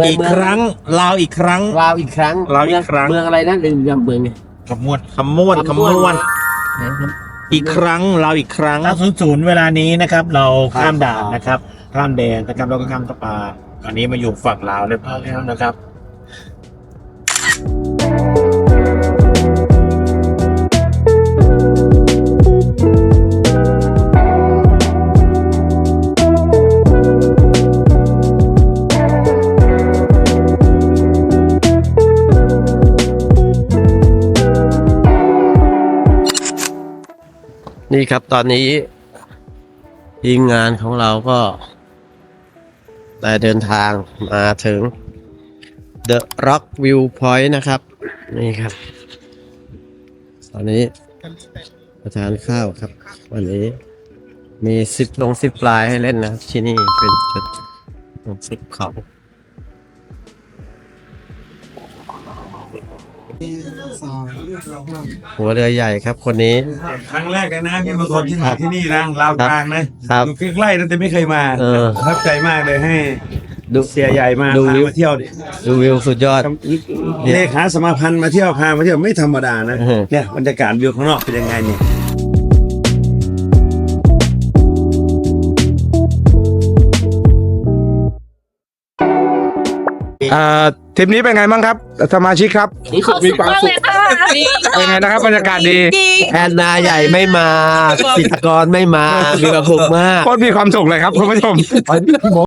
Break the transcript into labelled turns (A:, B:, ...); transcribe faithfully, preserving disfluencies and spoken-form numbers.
A: อีกครั้งลาวอีกครั้ง
B: ลาวอีกครั้ง
A: ลาวอีกครั้ง
B: เมืองอะไรนะเรื่องเมืองไง
A: คำม้วนคำม้วนคำม้วนอีกครั้งลาวอีกครั้ง
C: เก้าศูนย์ศูนย์เวลานี้นะครับ เราข้ามด่านนะครับข้ามแดนนะครับเราก็ข้ามสะพานตอนนี้มาอยู่ฝั่งลาวเรียบร้อยแล้วนะครับ
B: นี่ครับตอนนี้ทีมงานของเราก็ได้เดินทางมาถึง The Rock View Point นะครับ นี่ครับ ตอนนี้ประทานข้าวครับ วันนี้มีซิปลงซิปลายให้เล่นนะครับที่นี่เป็นจุดลงซิปเขาหัวเรือใหญ่ครับคนนี้
D: ครั้งแรกเลยนะที่มาคนที่มาที่นี่นะลาวกลางนะครับ อยู่ใกล้ๆนะแต่ไม่เคยมา
B: เออ
D: ประทับใจมากเลยให้
B: ดู
D: เสียใหญ่มา
B: ดู
D: พา
B: วิว
D: มาเที่ยวดิ
B: ดูวิวสุดยอด
D: เลขาสมาพันธ์มาเที่ยวพามาเที่ยวไม่ธรรมดานะ
B: เออ
D: เนี่ยบรรยากาศวิวข้างนอกเป็นยังไงเนี่ย
E: อ่าทริปนี้เป็นไงบ้างครับสมาชิกครับ
F: มีความสุขเลยค่ะ
E: เป็นไงนะครับบรรยากาศดี
B: แอนนาใหญ่ไม่มาจิตรกรไม่มา มีความสุขมาก
E: โคตรมีความสุขเลยครับคุณผู้ชม